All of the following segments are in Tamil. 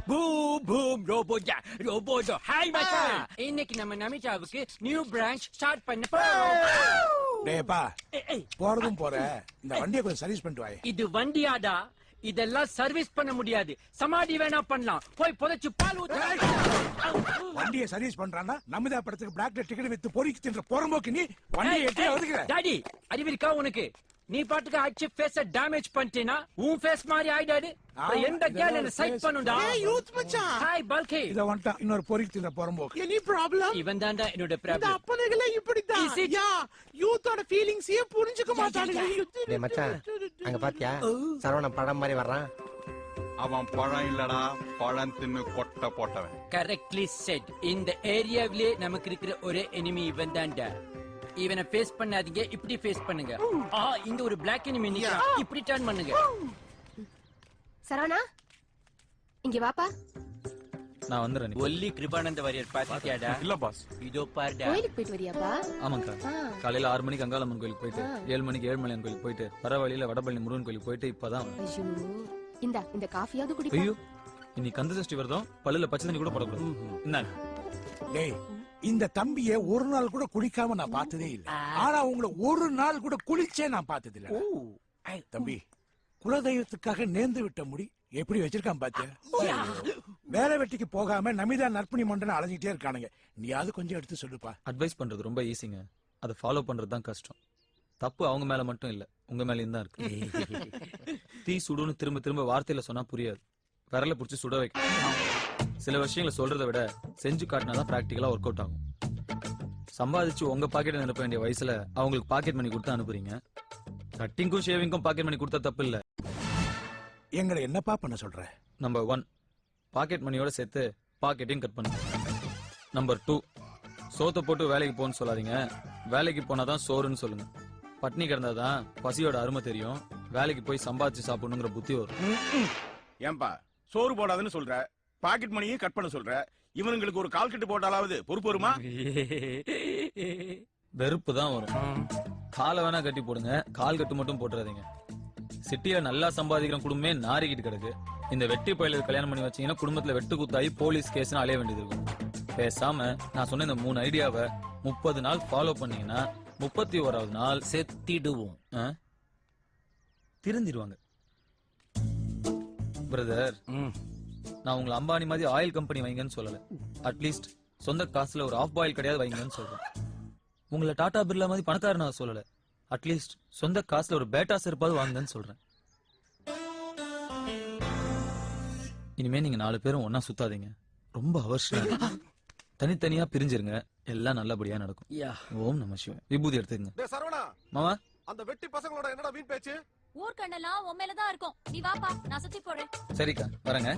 பூம் பூம் ரோபோஜா ரோபோஜோ. ஹாய் மச்சான், இன்னைக்கு நம்ம நமிதாவுக்கு நியூ பிரான்ச் ஸ்டார்ட் பண்ண போறோம். டேப்பா போறதும் போற, இந்த வண்டியை கொஞ்சம் சர்வீஸ் பண்ணிட்டு வாயே. இது வண்டியாடா, இதெல்லாம் சர்வீஸ் பண்ண முடியாது. சமாடி வேணா பண்ணலாம், போய் புதைச்சு பால் ஊத்து. வண்டியை சர்வீஸ் பண்றான்னா நமிதா படத்துக்கு பிளாக்ல டிக்கெட் வித்து பொறிக்கு தின்ற போறம்போக்கு நீ வண்டியை எட்டே ஒதுக்குற. டாடி அறிவிருக்கா உனக்கு? நீ பாட்டுக்கு அடிச்சு ஃபேஸ டேமேஜ் பண்ணிட்டேனா உன் ஃபேஸ் மாதிரி ஆயிடாது. எந்த கேர்ள் என்ன சைட் பண்ணுடா. ஏய் யூத் மச்சான், ஹாய் பல்கி. இத வந்துட்டான் இன்னொரு பொறிக்கு தின்ற போறம்போக்கு. Any problem? இவன் தான்டா என்னோட இந்த ப்ராப்ளம். அப்பனகளே இப்படிதான். யா யூத்தோட ஃபீலிங்ஸே புரிஞ்சுக்க மாட்டானுங்க. டேய் மச்சான், அங்க பாத்தியா சரவணன் படம் மாதிரி வர்றான். அவன் பழம் இல்லடா, பழம் தின்னு கொட்டை போட்டவன். Correctly set. இந்த ஏரியாவிலே நமக்கு இருக்கிற ஒரே எனிமி இவன் தான்டா. இவனை ஃபேஸ் பண்ணாதீங்க, இப்படி ஃபேஸ் பண்ணுங்க. இங்க ஒரு பிளாக் எனிமி நிக்கிறான், இப்படி டர்ன் பண்ணுங்க. சரவணா இங்க வாப்பா. நான் வந்துறேன். ஒல்லி கிருபானந்த வாரியர் பாத்தியாடா? இல்ல பாஸ். இதோ பாருடா. கோயிலுக்கு போயிட்டு வரியாப்பா? ஆமாங்கா, காலையில 6 மணிக்கு அங்காளம்மன் கோயிலுக்கு போயிட்டு 7 மணிக்கு ஏழுமலையான் கோயிலுக்கு போயிட்டு வர வழியில வடபழனி முருகன் கோயிலுக்கு போயிட்டு இப்பதான். ஐயோ இந்த காஃபியாவது குடிப்பா. ஐயோ இன்னைக்கு கந்த சஷ்டி வருதம், பல்லுல பச்சை தண்ணி கூட போடக்கூடாது. இந்தாங்க. டேய் இந்த தம்பிய ஒரு நாள் கூட குளிக்காம நான் பார்த்ததே இல்ல. ஆனா உங்களை ஒரு நாள் கூட குளிச்சே நான் பார்த்தது இல்ல. தம்பி குலதெய்வத்துக்காக நேர்ந்து விட்ட முடி எப்படி வச்சிருக்கான் பாத்தியா? வேலை வெட்டிக்கு போகாம நமிதா நற்பணி மண்டன அலைஞ்சிட்டே இருக்கானுங்க. நீயாவது கொஞ்சம் எடுத்து சொல்லுப்பா. அட்வைஸ் பண்றது ரொம்ப ஈஸிங்க, அதை ஃபாலோ பண்றது தான் கஷ்டம். தப்பு அவங்க மேல மட்டும் இல்ல, உங்க மேலயும் தான் இருக்கு. தீ சுடுன்னு திரும்ப திரும்ப வார்த்தையில சொன்னா புரியாது, விரல புடிச்சு சுட வைக்க. சில விஷயங்களை சொல்றதை விட செஞ்சு காட்டினாதான் பிராக்டிகலா ஒர்க் அவுட் ஆகும். சம்பாதிச்சு உங்க பாக்கெட் அனுப்ப வேண்டிய வயசுல அவங்களுக்கு பாக்கெட் மணி கொடுத்து அனுப்புறீங்க. கட்டிங்கும் ஷேவிங்கும் பாக்கெட் மணி கொடுத்தா தப்பு இல்ல. எங்களை என்னப்பா பண்ண சொல்ற? நம்பர் 1, பாக்கெட் மணியோட சேர்த்து பாக்கெட்டையும் கட் பண்ணுங்க. நம்பர் 2, சோத்தை போட்டு வேலைக்கு போன்னு சொல்லாதீங்க, வேலைக்கு போனாதான் சோறுன்னு சொல்லுங்க. பட்னி கிடந்தாதான் பசியோட அருமை தெரியும், வேலைக்கு போய் சம்பாதிச்சு சாப்பிடணுங்கிற புத்தி வரும். ஏன்பா சோறு போடாதுன்னு சொல்ற, பாக்கெட் மணியும் கட் பண்ண சொல்ற, இவனுங்களுக்கு ஒரு கால் கட்டு போட்டாலாவது பொறுப்பு வருமா? வெறுப்பு தான் வரும். காலை வேணா கட்டி போடுங்க, கால் கட்டு மட்டும் போட்டுறாதீங்க. சிட்டியில நல்லா சம்பாதிக்கிற குடும்பமே நாரிக்கிட்டு கிடக்கு. இந்த வெட்டி பயிலுக்கு கல்யாணம் பண்ணி வச்சீங்கன்னா குடும்பத்துல வெட்டு குத்தாயி போலீஸ் கேஸ் அலைய வேண்டியது இருக்கும். பேசாம நான் சொன்ன இந்த 3 ஐடியாவை 30 நாள் ஃபாலோ பண்ணீங்கன்னா 31வது நாள் செத்திடுவோம். திருந்திடுவாங்க. பிரதர், நான் உங்களை அம்பானி மாதிரி ஆயில் கம்பெனி வைங்கன்னு சொல்லல, அட்லீஸ்ட் சொந்த காசுல ஒரு ஆஃப் பாயில் கிடையாது வைங்கன்னு சொல்றேன். உங்களை டாடா பிர்லா மாதிரி பணக்காரனா சொல்லல, அட்லீஸ்ட் சொந்த காசுல ஒரு பேட்டா செருப்பாவது வாங்குங்கன்னு சொல்றேன். இனிமே நீங்க 4 பேரும் ஒன்னா சுத்தாதீங்க, ரொம்ப அவசியம். தனித்தனியா பிரிஞ்சிருங்க, எல்லாம் நல்லபடியா நடக்கும். ஓம் நம சிவாய. விபூதி எடுத்துக்கங்க. சரவணா மாமா, அந்த வெட்டி பசங்களோட என்னடா வீண் பேச்சு? ஊர்க்கண்ணெல்லாம் உன் மேலதான் இருக்கும், நீ வாப்பா நான் சுத்தி போறேன். சரிக்கா வரேங்க.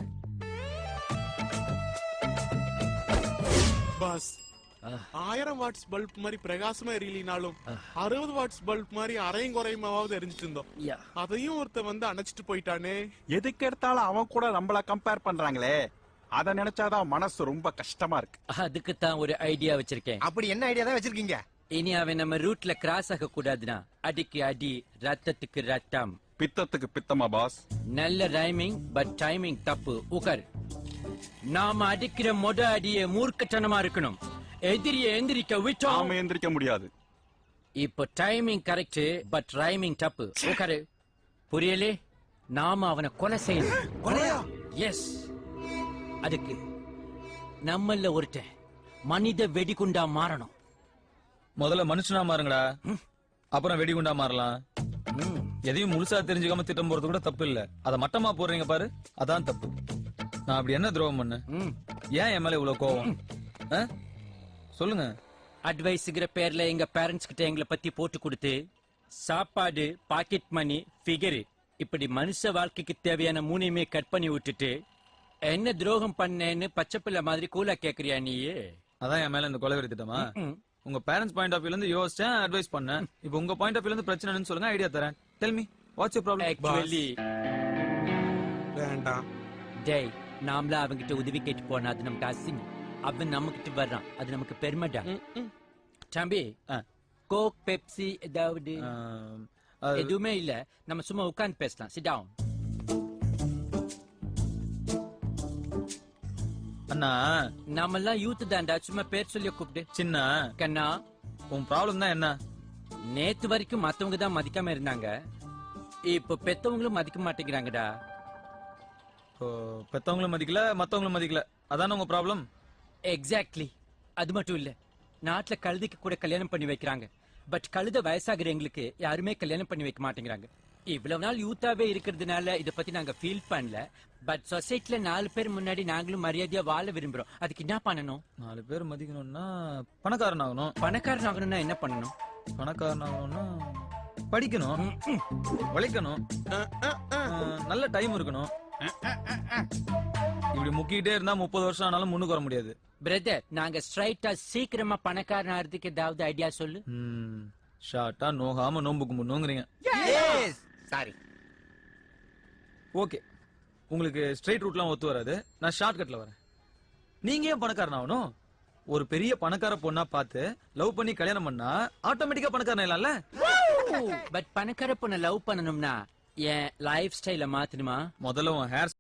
பாஸ் 1000 வாட்ஸ் பல்ப் மாதிரி பிரகாசமா எரியலினாலும் 60 வாட்ஸ் பல்ப் மாதிரி அரையும் குறையுமாவது எரிஞ்சிட்டு இருந்தோம். அதையும் ஒருத்த வந்து அணைச்சிட்டு போயிட்டானே. எதுக்கு எடுத்தாலும் அவன் கூட நம்மள கம்பேர் பண்றாங்களே, அத நினைச்சாதான் மனசு ரொம்ப கஷ்டமா இருக்கு. அதுக்கு தான் ஒரு ஐடியா வச்சிருக்கேன். அப்படி என்ன ஐடியா தான் வச்சிருக்கீங்க? இனி அவன் நம்ம ரூட்ல கிராஸ் ஆக கூடாதுன்னா அடிக்கு அடி, ரத்தத்துக்கு ரத்தம். பித்தத்துக்கு பித்தமா பாஸ்? நல்ல ரைமிங், பட் டைமிங் தப்பு. உகர், நாம அடிக்கிற மொத அடியே மூர்க்கத்தனமா இருக்கணும். எதிரியை எந்திரிக்க விட்டோம், நாம எந்திரிக்க முடியாது. இப்போ டைமிங் கரெக்ட், பட் ரைமிங் தப்பு. உகரு, புரியலே? நாம அவனை கொலை செய்யணும். எஸ், அதுக்கு நம்மள ஒருத்தன் மனித வெடிகுண்டா மாறணும். முதல்ல மனுஷனா மாறுங்கடா, அப்புறம் வெடிகுண்டா மாறலாம். எதையும் முழுசா தெரிஞ்சுக்காம திட்டம் போறது கூட தப்பு இல்ல, அத மட்டமா போடுறீங்க பாரு, அதான் தப்பு. நான் அப்படி என்ன துரோகம் பண்ண? ஏன் என் மேல இவ்வளவு கோவம்? சொல்லுங்க. அட்வைஸ்ங்கிற பேர்ல எங்க பேரண்ட்ஸ் கிட்ட எங்களை பத்தி போட்டு கொடுத்து சாப்பாடு, பாக்கெட் மணி, ஃபிகர், இப்படி மனுஷ வாழ்க்கைக்கு தேவையான 3மே கட் பண்ணி விட்டுட்டு என்ன துரோகம் பண்ணேன்னு பச்சை பிள்ளை மாதிரி கூலா கேக்குறியா நீயே? அதான் என் மேல இந்த கொலைவெறி திட்டமா? உங்க பேரண்ட்ஸ் பாயிண்ட் ஆஃப் வியூல இருந்து யோசிச்சேன், அட்வைஸ் பண்ணேன். இப்போ உங்க பாயிண்ட் ஆஃப் வியூல இருந்து பிரச்சனைன்னு சொல்லுங்க, ஐடியா தரேன். Tell me what's your problem? Actually வேண்டாம் டேய், நாமளா அவங்கிட்ட உதவி கேட்டு போனா அது நமக்கு அசிங்கம். அவன் நம்ம கிட்ட வர்றான், அது நமக்கு பெருமைடா. தம்பி, கோக், பெப்சி ஏதாவது? எதுவுமே இல்ல, நம்ம சும்மா உட்கார்ந்து பேசலாம். Sit down. அண்ணா நாமெல்லாம் யூத் தான்டா, சும்மா பேர் சொல்லி கூப்பிடு. சின்ன கண்ணா, உன் ப்ராப்ளம் தான் என்ன? நேத்து வரைக்கும் மத்தவங்க தான் மதிக்காம இருந்தாங்க, இப்ப பெத்தவங்களும் மதிக்க மாட்டேங்கிறாங்கடா. இப்போ பெத்தவங்களும் மதிக்கல மத்தவங்களும் மதிக்கல, அதான உங்க ப்ராப்ளம்? எக்ஸாக்ட்லி. அது மட்டும் இல்ல, நாட்டுல கழுதைக்கு கூட கல்யாணம் பண்ணி வைக்கிறாங்க, பட் கழுத வயசாகிற எங்களுக்கு யாருமே கல்யாணம் பண்ணி வைக்க மாட்டேங்கிறாங்க. இவ்வளவு நாள் யூத்தாவே இருக்கிறதுனால இத பத்தி நாங்க ஃபீல் பண்ணல, பட் சொசைட்டில 4 பேர் முன்னாடி நாங்களும் மரியாதையா வாழ விரும்புறோம். அதுக்கு என்ன பண்ணணும்? 4 பேர் மதிக்கணும்னா பணக்காரன் ஆகணும். பணக்காரன் ஆகணும்னா என்ன பண்ணணும்? பணக்காரன் ஆகணும்னா படிக்கணும், உழைக்கணும், நல்ல டைம் இருக்கணும். இப்படி முக்கிட்டே இருந்தா 30 வருஷம் ஆனாலும் முன்னுக்கு வர முடியாது. பிரதர், நாங்க ஸ்ட்ரைட்டா சீக்கிரமா பணக்காரன் ஆகிறதுக்கு ஏதாவது ஐடியா சொல்லு. ஷார்ட்டா நோகாம நோம்பு கும்பிடணுங்கிறீங்க. சாரி. ஓகே, உங்களுக்கு ஸ்ட்ரைட் ரூட்லாம் ஒத்து வராது, நான் ஷார்ட் கட்ல வரேன். நீங்க ஏன் பணக்காரன் ஆகணும்? ஒரு பெரிய பணக்கார பொண்ணா பார்த்து லவ் பண்ணி கல்யாணம் பண்ணா ஆட்டோமேட்டிக்கா பணக்காரன் இல்லல்ல? பட் பணக்கார பொண்ணை லவ் பண்ணணும்னா என் லைஃப் ஸ்டைல மாத்தணுமா? முதல்ல உன் ஹேர்